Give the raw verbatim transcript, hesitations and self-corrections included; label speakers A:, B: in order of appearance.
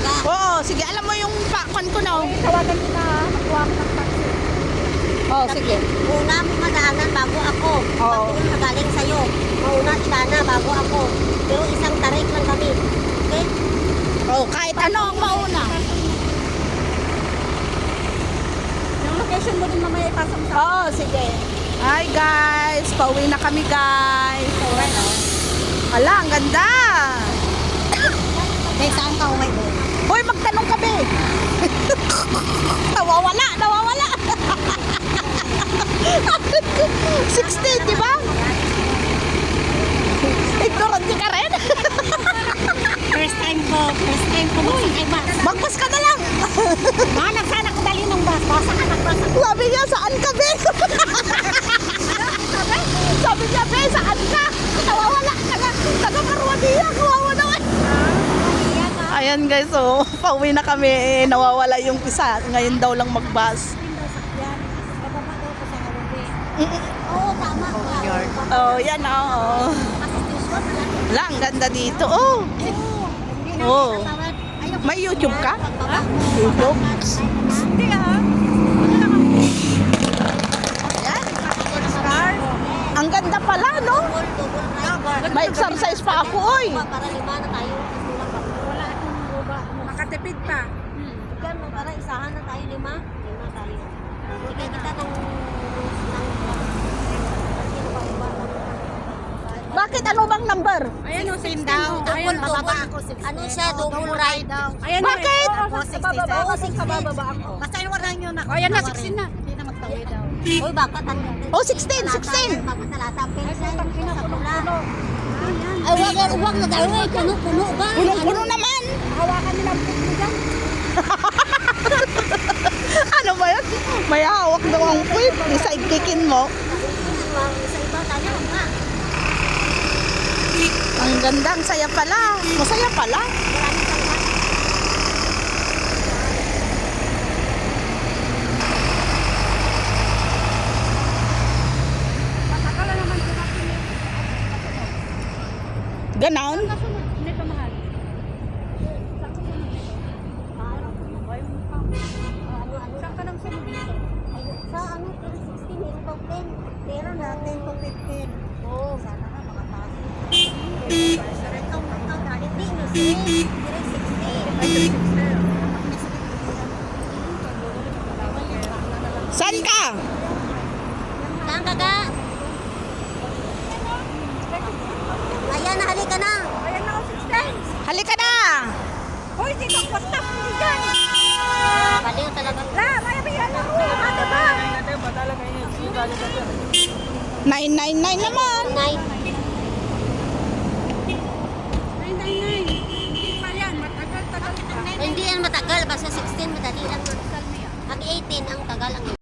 A: ka.
B: Oo, sige. Alam mo yung pakwan ko na. oh.
C: Tawagan kita ha. Magkuha ko ng taxi.
B: Oo, sige.
A: Una mo madaanan bago ako.
B: Oo.
A: Pagtingin na galing sa'yo. Mauna sila na bago ako. Pero isang tarik lang kami. Okay?
B: Oo, kahit ano ang mauna.
C: Yung location mo din mamaya ipasa mo sa
B: Oo, sige. Hi guys, pauwi na kami guys. Ala, ang ganda.
A: May saan ka uwi mo?
B: Hoy, magtanong kami. Nawawala, nawawala. sixteen, di ba? Ignorante ka rin.
A: First time ko. First time ko magsakay bus.
B: Magbas ka na lang.
A: Manag sana ko dali ng bus. Basa ka nagbasa.
B: Sabi niya, saan ka, Ben? Sabi niya, Ben, saan ka? Nawawala ka na. Taga-Karwadiya, kawawa naman. Ayan guys, so pauwi na kami. Eh, nawawala yung isa. Ngayon daw lang magbus.
A: Bababa daw ko sa Hawaii. Oo, tama.
B: Oh, yan oh. Wala, ang ganda dito. Oh. Oh. May YouTube ka? YouTube?
C: Hindi ah.
B: Yan. Ang ganda pala, no? May exercise pa ako, oy.
A: Para lima na tayo.
C: Wala akong buba. Makatipid pa.
A: Diyan mo, para isahan na tayo lima. Lima tayo. Sige kita ng...
B: Bakit ano bang number?
C: Ayan o, sixteen daw.
A: Double, double. Ano siya, double ride.
C: Ayan
B: Bakit?
C: Oo, sa bababa ako. Sa bababa ako.
A: Basta iwanan nyo na.
C: O, ayan na, sixteen na.
A: Hindi na magtawid daw. Uy, baka tanong.
B: Oh, sixteen, sixteen.
A: Baka talata,
C: Ay,
A: pensan.
C: putang ina,
A: Sa pula.
C: puno-puno. Ayan.
A: Ay, wag, wag na tayo. eh. Puno-puno ba?
B: Punong-puno naman.
C: Hawakan nila ang puno dyan.
B: Ano ba yan? May hawak daw ang puwit. Isa-kickin mo.
A: Sa iba tayo, ha?
B: Ang ganda, ang saya pala. Masaya pala.
A: Maraming talaga.
C: Matagal na naman sila.
B: Ganon.
C: Kasunod. Hindi pa mahal. Saan ka sunod nito? Ay, mukha mo.
A: Ano, ano?
C: Saan ka nang sunod nito?
A: Ay, sa ano, pero sixteen, meron daw ten. Pero na, ten to fifteen. Oo. Sana na, makapasok. Hindi, Miss Ray. Direct sixteen.
B: Saan ka?
A: Saan ka ka? Ayan na, halika na.
C: Ayan na ako, sixteen.
B: Halika na.
C: Hoy, dito, basta hindi dyan.
A: Baliw talaga.
C: La, may abihan na ako. Mata ba?
B: nine nine nine naman.
A: Nine.
C: nine nine nine. Hindi pa yan. Matagal-tagal pa.
A: Hindi yan matagal. Basta sixteen, madali lang. Pag eighteen, ang tagal ang